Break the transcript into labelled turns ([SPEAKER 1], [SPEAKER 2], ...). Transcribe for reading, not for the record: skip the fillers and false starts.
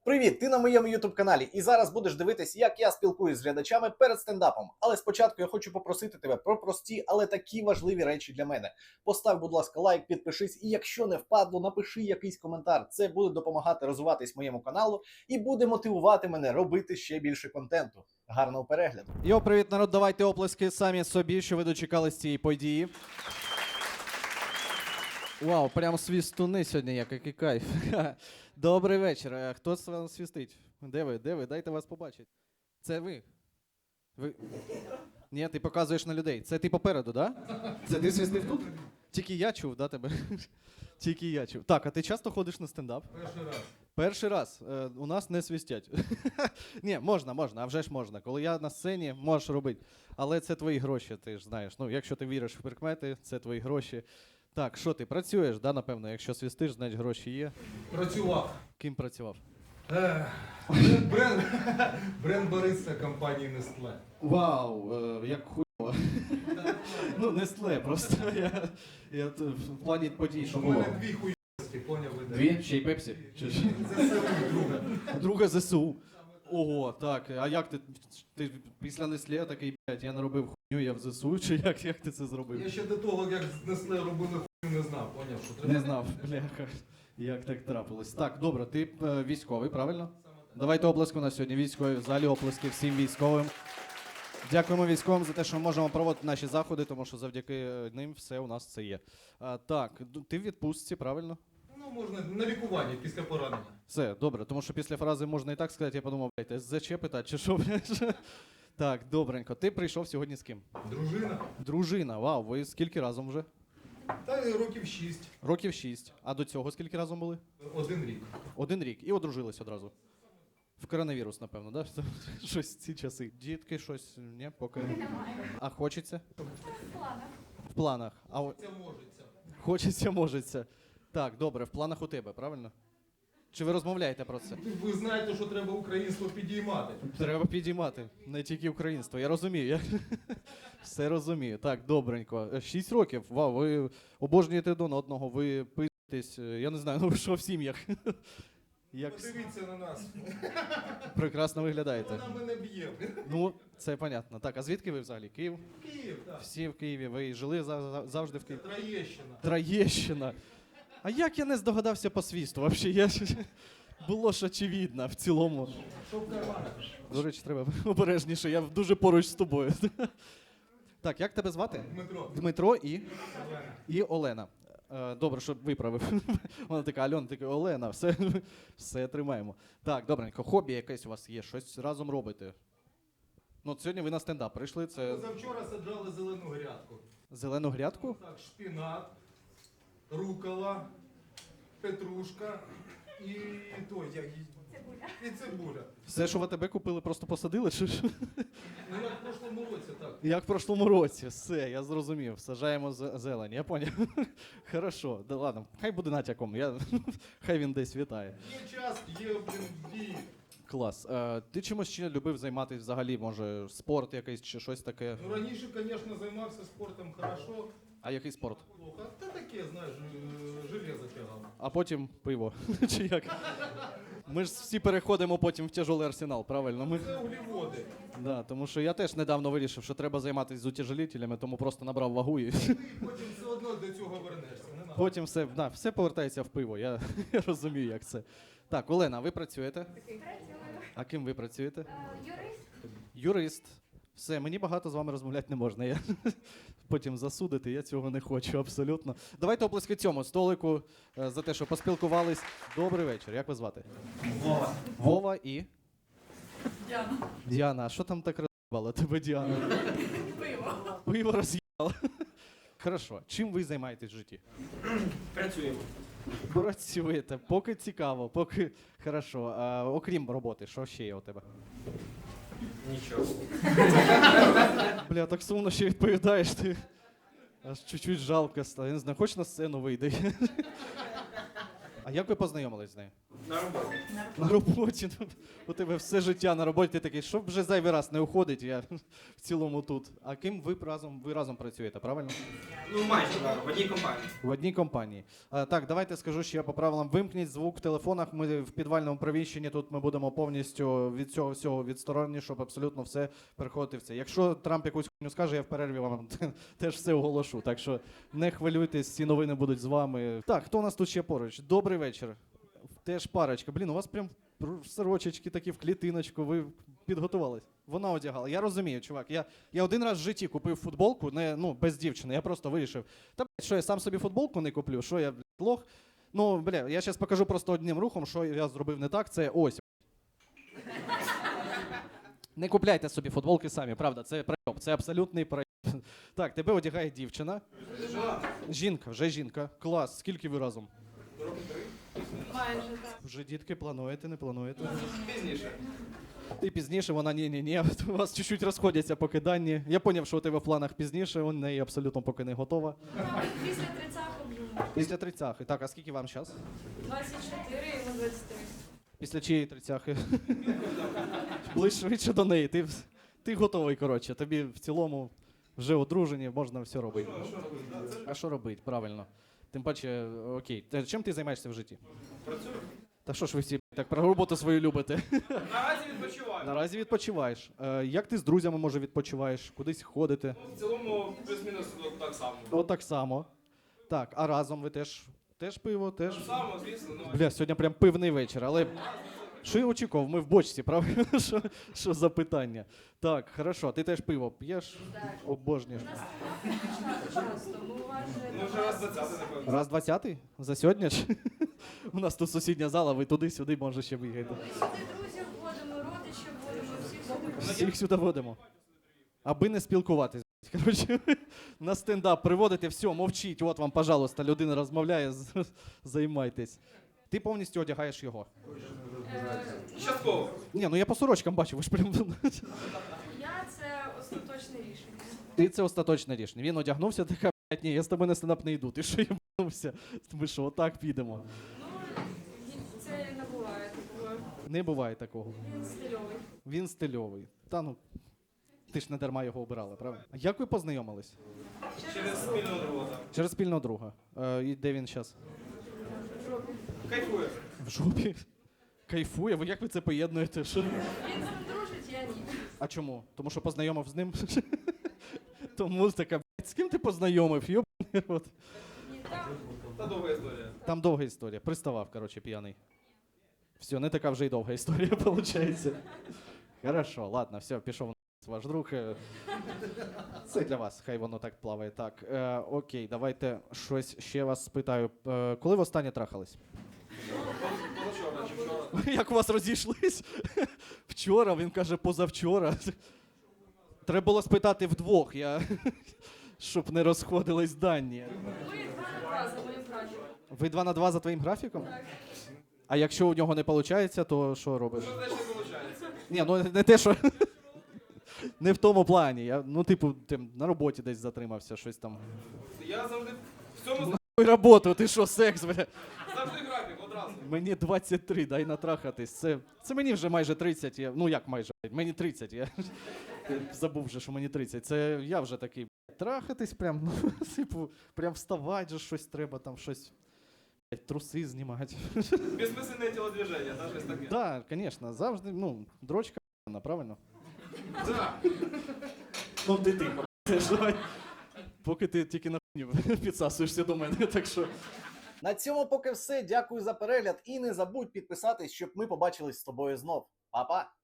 [SPEAKER 1] Привіт! Ти на моєму YouTube-каналі і зараз будеш дивитись, як я спілкуюсь з глядачами перед стендапом. Але спочатку я хочу попросити тебе про прості, але такі важливі речі для мене. Постав, будь ласка, лайк, підпишись і якщо не впадло, напиши якийсь коментар. Це буде допомагати розвиватись моєму каналу і буде мотивувати мене робити ще більше контенту. Гарного перегляду!
[SPEAKER 2] Йо, привіт, народ, давайте оплески самі собі, що ви дочекались цієї події. Вау, прям свістуни сьогодні, який кайф. Добрий вечір. Хто з вас свістить? Де ви? Дайте вас побачити. Це ви? Ви? Ні, ти показуєш на людей. Це ти попереду, да? Це ти свістив тут? Тільки я чув, да, тебе? Тільки я чув. Так, а ти часто ходиш на стендап?
[SPEAKER 3] Перший раз.
[SPEAKER 2] Перший раз. У нас не свистять. Ні, можна, а вже ж можна. Коли я на сцені, можеш робити. Але це твої гроші, ти ж знаєш. Ну, якщо ти віриш в прикмети, це твої гроші. Так, що ти, працюєш, да, напевно? Якщо свистиш, значить гроші є.
[SPEAKER 3] Працював.
[SPEAKER 2] Ким працював?
[SPEAKER 3] Бренд бариста компанії Nestlé.
[SPEAKER 2] Вау, як хуйово. Ну, Nestlé, просто я в плані подій, що
[SPEAKER 3] У
[SPEAKER 2] було.
[SPEAKER 3] мене дві хуйовості, поняв ви?
[SPEAKER 2] Дві? Ще й Пепсі?
[SPEAKER 3] ЗСУ друга.
[SPEAKER 2] Друга ЗСУ. Ого, так, а як ти після Nestlé такий, блядь, я наробив хуйню, я в ЗСУ, чи як ти це зробив?
[SPEAKER 3] Я ще до того, як з Nestlé робили хуйню, не знав, поняв, що треба.
[SPEAKER 2] Не знав, бляха, як так трапилось. Так, добре, ти військовий, правильно? Давайте оплески на сьогодні. Військові в залі, оплески всім військовим. Дякуємо військовим за те, що ми можемо проводити наші заходи, тому що завдяки ним все у нас це є. Так, ти в відпустці, правильно?
[SPEAKER 3] Ну, можна на лікуванні після поранення.
[SPEAKER 2] Все, добре, тому що після фрази можна і так сказати, я подумав, блядь, СЗЧ питати, чи що, блядь? Так, добренько. Ти прийшов сьогодні з ким?
[SPEAKER 3] Дружина.
[SPEAKER 2] Дружина, вау, ви скільки разом вже?
[SPEAKER 3] Та й років 6.
[SPEAKER 2] Років 6. А до цього скільки разом були?
[SPEAKER 3] 1 рік.
[SPEAKER 2] 1 рік. І одружились одразу. В коронавірус, напевно, да? Щось ці часи. Дітки, щось, ні, поки. А хочеться? В планах.
[SPEAKER 3] Це можеться.
[SPEAKER 2] Хочеться, можеться. Так, добре, в планах у тебе, правильно? Чи ви розмовляєте про це?
[SPEAKER 3] Ви знаєте, що треба українство підіймати.
[SPEAKER 2] Треба підіймати, не тільки українство. Я розумію. Я все розумію. Так, добренько. 6 років. Вау, ви обожнюєте один одного, ви пиздитесь. Я не знаю, ну ви що в сім'ях? Як
[SPEAKER 3] Подивіться на нас.
[SPEAKER 2] прекрасно виглядаєте.
[SPEAKER 3] Вона мене б'є.
[SPEAKER 2] Ну, це понятно. Так, а звідки ви взагалі? Київ?
[SPEAKER 3] Київ, так.
[SPEAKER 2] Всі в Києві. Ви жили завжди в Києві?
[SPEAKER 3] Троєщина.
[SPEAKER 2] Троєщина. А як я не здогадався по свісту? Взагалі, було ж очевидно в цілому.
[SPEAKER 3] Що в карманах?
[SPEAKER 2] До речі, треба обережніше, я дуже поруч з тобою. Так, як тебе звати?
[SPEAKER 3] Дмитро.
[SPEAKER 2] Дмитро і?
[SPEAKER 3] Олена.
[SPEAKER 2] І Олена. Добре, що виправив. Вона така, Альона, така, Олена, все тримаємо. Так, добренько, хобі якесь у вас є, щось разом робите. Ну, от сьогодні ви на стендап прийшли, це
[SPEAKER 3] Позавчора саджали зелену грядку.
[SPEAKER 2] зелену грядку?
[SPEAKER 3] Так, шпінат, рукола, петрушка і і цибуля.
[SPEAKER 2] Все, що в АТБ купили, просто посадили? Чи що?
[SPEAKER 3] Ну як в прошлому році, так.
[SPEAKER 2] Як в прошлому році, все, я зрозумів. Саджаємо зелень, я поняв. Хорошо, да ладно, хай буде натяком, хай він десь вітає.
[SPEAKER 3] Є час, є, дії.
[SPEAKER 2] Клас. Ти чимось ще любив займатися взагалі, може, спорт якийсь чи щось таке?
[SPEAKER 3] Ну раніше, звісно, займався спортом хорошо.
[SPEAKER 2] А який спорт?
[SPEAKER 3] Плохо. Та таке, знаєш, железо тягав.
[SPEAKER 2] А потім пиво. Чи як? Ми ж всі переходимо потім в тяжелий арсенал, правильно?
[SPEAKER 3] Це углеводи.
[SPEAKER 2] Да, тому що я теж недавно вирішив, що треба займатися з утяжелителями, тому просто набрав вагу і
[SPEAKER 3] Ти потім все одно до цього вернешся. Не надо.
[SPEAKER 2] потім все повертається в пиво. Я розумію, як це. Так, Олена, ви працюєте?
[SPEAKER 4] Працюю.
[SPEAKER 2] А ким ви працюєте?
[SPEAKER 4] Юрист.
[SPEAKER 2] Юрист. Все, мені багато з вами розмовляти не можна. Я потім засудити, я цього не хочу абсолютно. Давайте оплески цьому столику за те, що поспілкувались. Добрий вечір. Як вас звати?
[SPEAKER 3] Вова.
[SPEAKER 2] Вова і?
[SPEAKER 4] Діана.
[SPEAKER 2] Діана. А що там так роз'їбало тебе, Діана?
[SPEAKER 4] Пиво.
[SPEAKER 2] Пиво роз'їбало. Хорошо. Чим ви займаєтесь в житті?
[SPEAKER 5] Працюємо.
[SPEAKER 2] Працюєте. Поки цікаво, поки хорошо. Окрім роботи, що ще є у тебе?
[SPEAKER 5] Нічого.
[SPEAKER 2] Бля, так сумно ще відповідаєш, ти аж чуть-чуть жалко стало. Я не знаю, хоч на сцену вийде. А як ви познайомились з нею?
[SPEAKER 5] На роботі.
[SPEAKER 2] На роботі. У тебе все життя на роботі. Ти такий, щоб вже зайвий раз не уходить, я в цілому тут. А ким ви разом працюєте, правильно?
[SPEAKER 5] Ну, майже, так, в одній компанії.
[SPEAKER 2] В одній компанії. Так, давайте скажу ще по правилам. Вимкніть звук в телефонах. Ми в підвальному приміщенні, тут ми будемо повністю від цього всього відсторонені, щоб абсолютно все переходити в це. Якщо Трамп якусь хуйню скаже, я в перерві вам теж все оголошу. Так що не хвилюйтесь, ці новини будуть з вами. Так, хто у нас тут ще поруч? Добрий вечір. Теж парочка. Блін, у вас прям сорочечки такі в клітиночку, ви підготувались. Вона одягала. Я розумію, чувак. Я один раз в житті купив футболку, без дівчини. Я просто вирішив. Та блядь, що я сам собі футболку не куплю? Що я, блядь, лох? Ну, бля, я зараз покажу просто одним рухом, що я зробив не так. Це ось. Не купляйте собі футболки самі, правда, це пройоб, це абсолютний пройоб. Так, тебе одягає дівчина. Жінка, вже жінка. Клас, скільки ви разом?
[SPEAKER 4] Майже так.
[SPEAKER 2] Вже дітки плануєте, не плануєте?
[SPEAKER 3] Пізніше.
[SPEAKER 2] Ти пізніше, вона ні. У вас чуть-чуть розходяться поки дані. Я зрозумів, що у тебе в планах пізніше, у неї абсолютно поки не готова.
[SPEAKER 4] Після 30-го вже.
[SPEAKER 2] Після 30-х. Так, а скільки вам зараз?
[SPEAKER 4] 24 і на 23.
[SPEAKER 2] Після чиєї 30-хи? Ближче швидше до неї. Ти готовий, коротше. Тобі в цілому вже одружені, можна все робити. А що робити, правильно. Тим паче, окей. Чим ти займаєшся в житті?
[SPEAKER 5] Працюю.
[SPEAKER 2] Та що ж ви всі так про роботу свою любите?
[SPEAKER 5] Наразі відпочиваю.
[SPEAKER 2] Наразі відпочиваєш. Як ти з друзями, може, відпочиваєш? Кудись ходите?
[SPEAKER 5] В цілому плюс-мінус так само.
[SPEAKER 2] Отак само. Так, а разом ви теж пиво, теж?
[SPEAKER 5] Так само, звісно, ну.
[SPEAKER 2] Бля, сьогодні прям пивний вечір, але що я очікував? Ми в бочці, правильно? Що за питання? Так, хорошо, ти теж пиво п'єш?
[SPEAKER 4] Так.
[SPEAKER 2] Обожнюєш.
[SPEAKER 4] У нас так часто, ми уважаємо.
[SPEAKER 5] Ну, вже раз 20, напевно.
[SPEAKER 2] Раз 20-й? За сьогодні ж? У нас тут сусідня зала, ви туди-сюди, може, ще виїхати.
[SPEAKER 4] Ми сюди друзів вводимо, родичів вводимо, всіх сюди.
[SPEAKER 2] Всіх сюди водимо. Аби не спілкуватись. Коротше, на стендап приводите, все, мовчіть, от вам, пожалуйста, людина розмовляє, займайтесь. Ти повністю одягаєш його.
[SPEAKER 5] Частково.
[SPEAKER 2] Ні, ну я по сорочкам бачу, ви ж прям...
[SPEAKER 4] Я це остаточне рішення.
[SPEAKER 2] Ти це остаточне рішення. Він одягнувся, така, блядь, ні, я з тобою на стендап не йду. Ти що єбнувся? Ми що, отак підемо?
[SPEAKER 4] Ну, це не буває такого.
[SPEAKER 2] Не буває такого.
[SPEAKER 4] Він стильовий.
[SPEAKER 2] Він стильовий. Та ну, ти ж не дарма його обирала, правда? А як ви познайомились?
[SPEAKER 5] Через спільного друга.
[SPEAKER 2] Через спільного друга. І де він зараз?
[SPEAKER 5] Кайфує.
[SPEAKER 2] В жопі. Кайфує? Ви як ви це поєднуєте? Що?
[SPEAKER 4] Він з ним дружить, я ні.
[SPEAKER 2] А чому? Тому що познайомив з ним? Тому така, блядь, з ким ти познайомив? Йобаний рот.
[SPEAKER 4] Ні, там.
[SPEAKER 5] Та довга історія.
[SPEAKER 2] Там довга історія. Приставав, коротше, п'яний. Все, не така вже й довга історія, виходить. Хорошо, ладно, все, пішов ваш друг. Це для вас, хай воно так плаває. Так, окей, давайте щось ще вас спитаю. Коли ви останнє трахались?
[SPEAKER 5] Позавчора чи вчора.
[SPEAKER 2] Як у вас розійшлись? Вчора, він каже, позавчора. Треба було спитати вдвох, щоб не розходились дані.
[SPEAKER 4] Ми 2 на 2 за моїм графіком.
[SPEAKER 2] Ви 2 на 2 за твоїм графіком?
[SPEAKER 4] Так.
[SPEAKER 2] А якщо у нього не виходить, то що робиш?
[SPEAKER 5] Що теж не виходить.
[SPEAKER 2] Ні, ну не те, що. Не в тому плані. Я, ти на роботі десь затримався, щось там.
[SPEAKER 5] Я завжди в цьому
[SPEAKER 2] Ой, роботу, ти що, секс, бля?
[SPEAKER 5] завжди графік одразу.
[SPEAKER 2] Мені 23, дай натрахатись. Це мені вже майже 30. Ну як майже? Мені 30. Я забув вже, що мені 30. Це я вже такий, трахатись прям, ну, типу, прям вставати же щось треба, там щось, блядь, труси знімати.
[SPEAKER 5] Безмисленне тілодвіження, та щось таке.
[SPEAKER 2] Так, звісно, завжди, дрочка, правильно?
[SPEAKER 5] Так.
[SPEAKER 2] Ну ти тихо. Давай. Поки ти тільки на хуйню підсасуєшся до мене, так що.
[SPEAKER 1] На цьому поки все. Дякую за перегляд і не забудь підписатись, щоб ми побачились з тобою знов. Па-па!